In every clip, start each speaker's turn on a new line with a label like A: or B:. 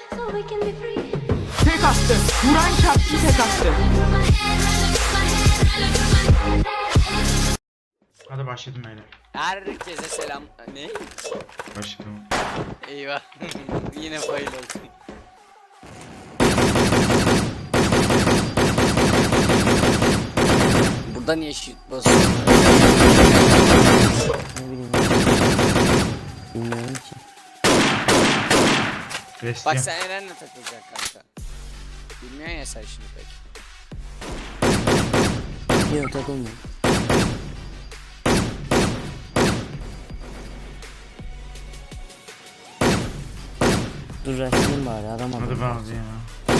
A: Tek attı. Vuran çarptı, tek attı.
B: Hadi başladım öyle.
C: Herkese selam. Ne?
B: Başladım.
C: Eyvah. Yine fail oldum. Burada niye şut basıyor?
D: Ne bileyim. Bilmiyorum ki.
B: Restiyem.
C: Bak sen Eren'le takılacaksın kanka. Bilmiyorsun ya sen şimdi pek.
D: Yok takılmıyor. Dur rastlayayım bari adam
B: Hadi
D: adam.
B: bazı ya.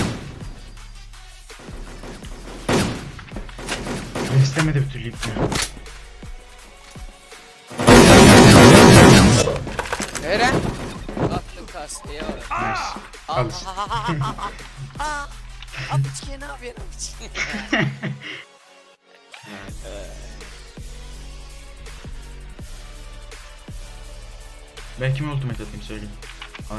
B: Restemedi bir türlü ipni.
C: Eren! Attım kasteye var.
B: Nice.
C: Al.
B: Al işte.
C: Apiçke ne yapıyorsun apiçke?
B: Ben kime ultimate atayım söyleyeyim. Al.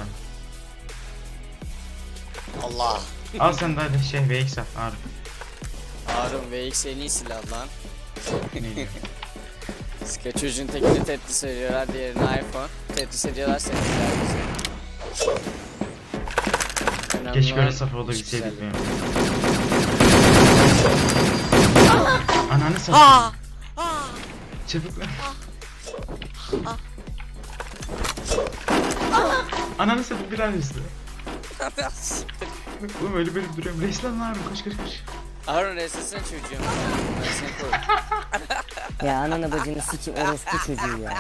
C: Allah.
B: Al sen de hadi şey VX at Harun.
C: Harun VX en iyi silah lan.
B: Ne diyor?
C: Sıkı çocuğun tekini Tetris ediyorlar, diğerini iPhone. Tetris ediyorlar seni.
B: Keşke öyle saf olabilseydik benim. Ananı satayım. Çabuk lan. Ananı satayım bir an üstü. Oğlum öyle böyle duruyorum. Resmen lan koş koş koş.
C: Harun resesene çocuğum. Ben seni koy.
D: Ya ananı bacını sikim orospu çocuğu ya.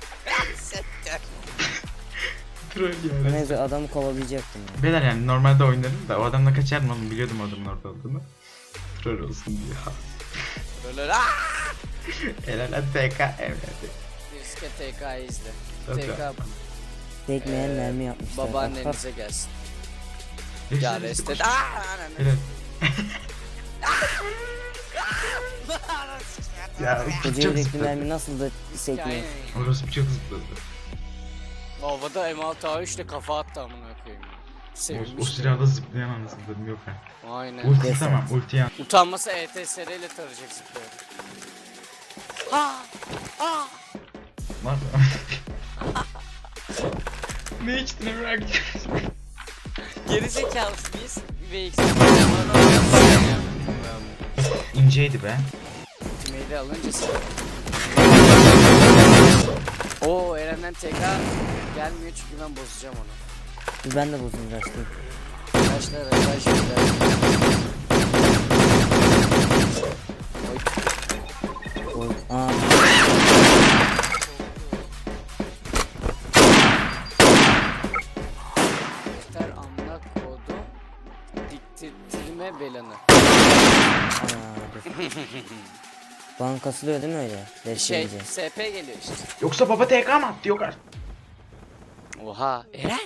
B: Troll ya.
D: Neyse adamı kovalayacaktım ya.
B: Beyler yani normalde oynarım da o adamla kaçardım oğlum biliyordum o adamın orada olduğunu. Troll olsun diye.
C: Böyle
B: Helal hadi TK evet.
C: Riske TK'yı izle.
B: Tabii.
C: TK
D: Tekmeyen mermi yapmışlar.
C: babaannenize gelsin. Ya restet.
B: Helal. Ya
D: Koca
B: çok
D: yürekli
B: zıpladı.
D: mermi nasıl da sekmiyor.
B: Orası çok zıpladı.
C: Havada M6A3 ile kafa attı amına koyayım.
B: O
C: Sevinmiş.
B: silahda zıplayan anasını yok ha.
C: Aynen.
B: Ulti
D: Yes,
B: tamam ulti yan.
C: Utanmasa ETSR ile tarayacak zıplıyor. Ha! Ha!
B: Var mı? Ne içtin Emre?
C: Geri zekalısın biz. VX.
B: İnceydi be.
C: Ultimate'i alınca sen. Oo Eren'den TK gelmiyor çünkü ben bozacağım onu.
D: Dur ben de bozayım rastlayayım.
C: Taşlar taşlar.
D: Oy. Aa.
C: Yeter amına kodum. Diktirme belanı.
D: Dur. Bana kasılıyor değil mi öyle?
C: Şey
D: Destekleyici.
C: SP geliyor işte.
B: Yoksa baba TK mı attı yok artık.
C: Oha Eren.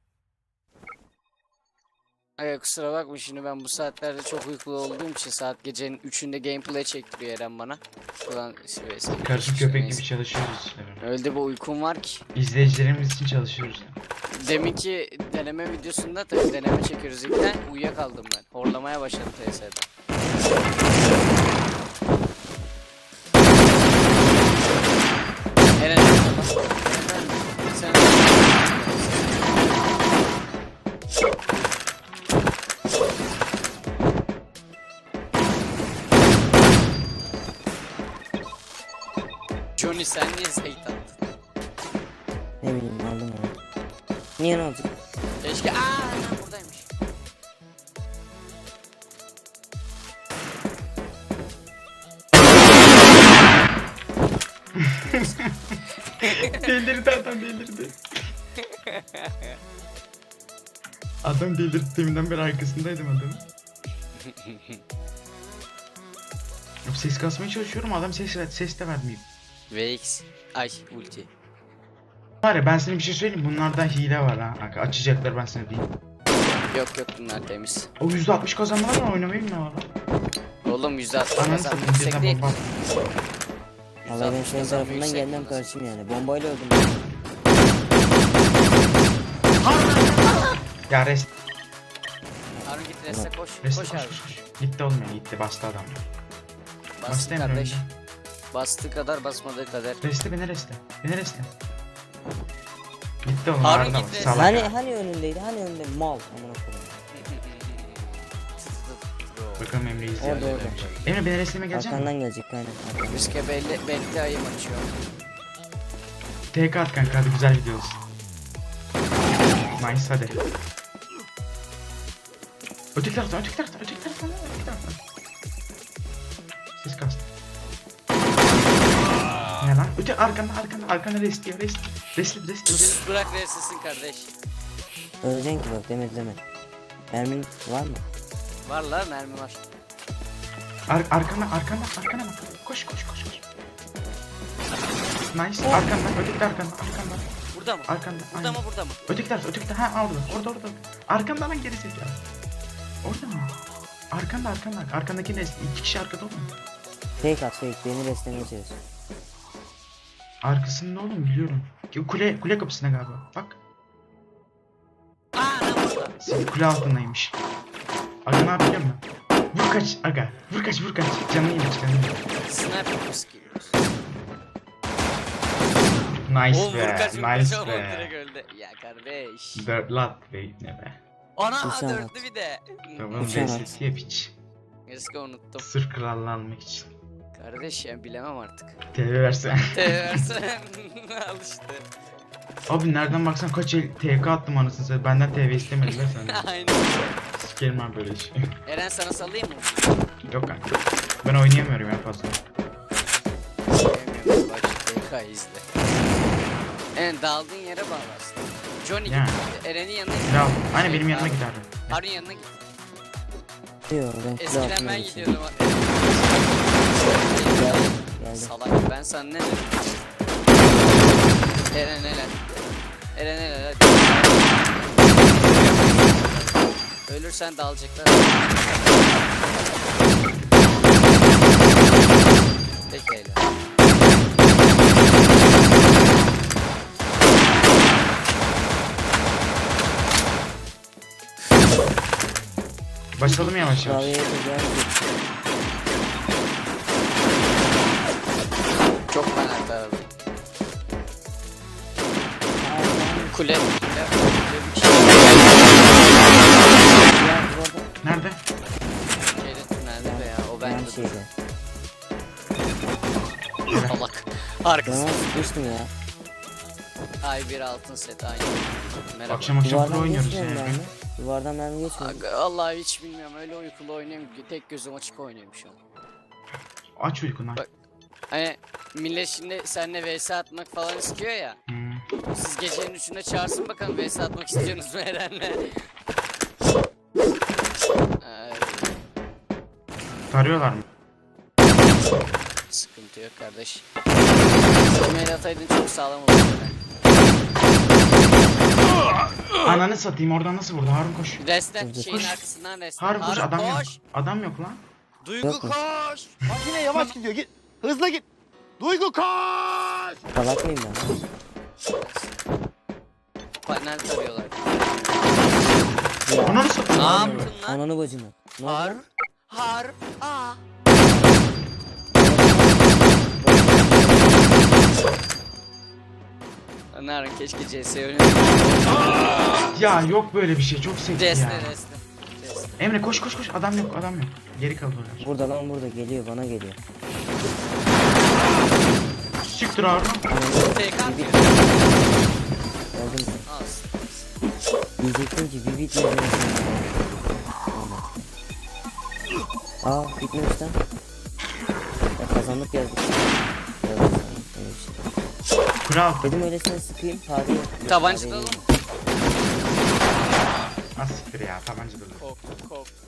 C: Ay kusura bakma şimdi ben bu saatlerde çok uykulu olduğum için saat gecenin 3'ünde gameplay çektiriyor Eren bana. Ulan
B: Karışık köpek gibi çalışıyoruz işte.
C: öyle bir uykum var ki.
B: İzleyicilerimiz için çalışıyoruz.
C: Deminki deneme videosunda tabii deneme çekiyoruz ilkten uyuyakaldım ben. Horlamaya başladım TS'de. Eren sen Johnny sen niye zeyt attın?
D: Ne bileyim aldım onu. Niye ne oldu?
C: Keşke lan buradaymış.
B: Delirdi adam delirdi. Adam delirdi deminden beri arkasındaydım adamın. Ses kasmaya çalışıyorum adam ses de vermiyor.
C: VX ay ulti.
B: Var ya ben sana bir şey söyleyeyim bunlarda hile var ha. Açacaklar ben sana diyeyim.
C: Yok bunlar temiz.
B: O %60 kazanmalar mı oynamayı mı var?
C: Oğlum %60
B: Ananı
C: kazan
B: satayım
C: yüksek
B: birden
C: değil.
B: bomba.
D: Vallahi ben senin
C: %60
D: tarafından
C: yüksek
D: geldim
C: kazan.
D: karşıyım yani. Bombayla öldüm.
B: Ya rest.
C: Reste koş.
B: Reste
C: Koş
B: koş
C: abi.
B: koş koş. Gitti olmuyor gitti bastı adam.
C: Bastı
B: Emre
C: kardeş.
B: önce.
C: Bastığı kadar basmadığı kadar.
B: Reste beni reste. Beni reste. Gitti oğlum
C: Harun
B: ağrına bak.
C: gitti.
B: Salak
D: Hani
B: ya.
D: hani önündeydi hani önünde mal amına koyayım.
B: Bakalım Emre izliyor.
D: Orada orada.
B: Emre beni resteme gelecek mi?
D: Arkandan gelecek aynen. Arkandan.
C: Riske belli ayım açıyor.
B: TK at kanka hadi güzel video olsun. Nice hadi. Öteki taraftan. Ses kastı. Ne lan? Arkanda rest.
C: Sus bırak restesin kardeş.
D: Öleceksin ki bak demedi deme. Mermin var mı?
C: Var lan mermi var.
B: Arkana bak. Koş. Nice. Arkandan, öteki de arkandan.
C: Burada mı?
B: Arkanda.
C: Burada
B: aynen.
C: mı burada mı?
B: Öteki taraf. Ha orada. Arkandan lan geri zekalı. Orada mı? Arkanda. Arkandaki ne? 2 kişi arkada oğlum.
D: Fake at fake beni restlemeye çalış.
B: Arkasında oğlum biliyorum. Kule kapısına galiba. Bak.
C: Aa lan burada.
B: Kule altındaymış. Aga ne yapıyor mu? Vur kaç. Canını yemiş.
C: Sniper skill.
B: Nice
C: Oğlum vur
B: be.
C: kaç
B: Nice
C: oğlum direkt
B: be.
C: öldü. Ya kardeş.
B: Dörtlü at be ne be.
C: Ana
D: Uçan
C: dörtlü bir de.
B: Tamam
D: Uçan at.
B: VSS yap hiç.
C: Riske unuttum.
B: Sırf krallığı almak için.
C: Kardeş ya bilemem artık.
B: TV versen.
C: Versen al işte.
B: Abi nereden baksan kaç el TK attım anasını satayım. Benden TV istemediler senden.
C: Aynen.
B: Sikerim abi böyle şey.
C: Eren sana salayım mı?
B: Yok kanka. Ben oynayamıyorum ya fazla.
C: Sevmiyorum bak TK izle. Eren daldığın yere bağlı aslında. Johnny
B: Yani.
C: git. Eren'in yanına git.
B: Kral. Hani
C: Şey,
B: benim yanıma
C: Harun-
B: giderdim.
C: Harun yanına git.
D: Diyor ben kule
C: Eskiden
D: altına
C: ben
D: geçeyim.
C: gidiyordum.
D: Geldi.
C: Salak ben sana ne dedim? Eren hadi. Ölürsen dalacaklar. Pekala.
B: Başladım yavaş yavaş.
D: Klavyeye de geldi.
C: Çok fena tarafı. Kule.
D: Ya bu arada
B: Nerede?
C: Şeyde tünelde be ya o
D: ben
C: bende.
D: şeyde.
C: Salak. Arkası.
D: Canına sıkmıştım ya.
C: Ay bir altın set aynı. Merhaba.
B: Akşam kule
D: Duvardan
B: oynuyoruz ya.
D: geçmiyorum ben mi? Duvardan mermi geçmiyor.
C: Aga, vallahi hiç bilmiyorum öyle uykulu oynuyorum ki tek gözüm açık oynuyorum şu an.
B: Aç uykunu aç.
C: Bak. Hani millet şimdi seninle vs atmak falan istiyor ya.
B: Hmm.
C: Siz gecenin 3'ünde çağırsın bakalım vs atmak istiyorsunuz mu Eren'le?
B: Tarıyorlar mı?
C: Sıkıntı yok kardeş. Mail ataydın çok sağlam olurdu Eren.
B: Ananı satayım oradan nasıl vurdu? Harun koş.
C: Resten
D: Koş.
C: şeyin arkasından resten.
B: Harun koş adam yok.
C: koş.
B: Adam yok lan.
C: Duygu
D: Yok mu?
C: koş.
E: Makine yavaş gidiyor. Git. Hızlı git. Duygu koş.
D: Salak mıyım ben?
C: Panel tarıyorlar.
B: Ananı satayım.
C: Ne yaptın lan?
D: Ananı bacını. Ne oldu?
C: Har. Aa. Narın keşke CS oynayayım.
B: Ya yok böyle bir şey çok sevdim
C: Reste
B: ya.
C: reste.
B: Emre koş. Adam yok. Geri kaldılar.
D: Burada lan burada geliyor bana geliyor.
B: Siktir Harun.
C: TK atıyor.
D: Geldim.
C: Az.
D: Diyecektim ki bir bit izlemesin. Aa bitmemiş lan. Ya kazandık yazdık. Yazdık sandım, öyle bir şey.
B: Kral.
D: Dedim öylesine sıkayım tarihi.
C: Tabancadan oğlum.
B: Az siktir ya tabanca durdu.
C: Korktum.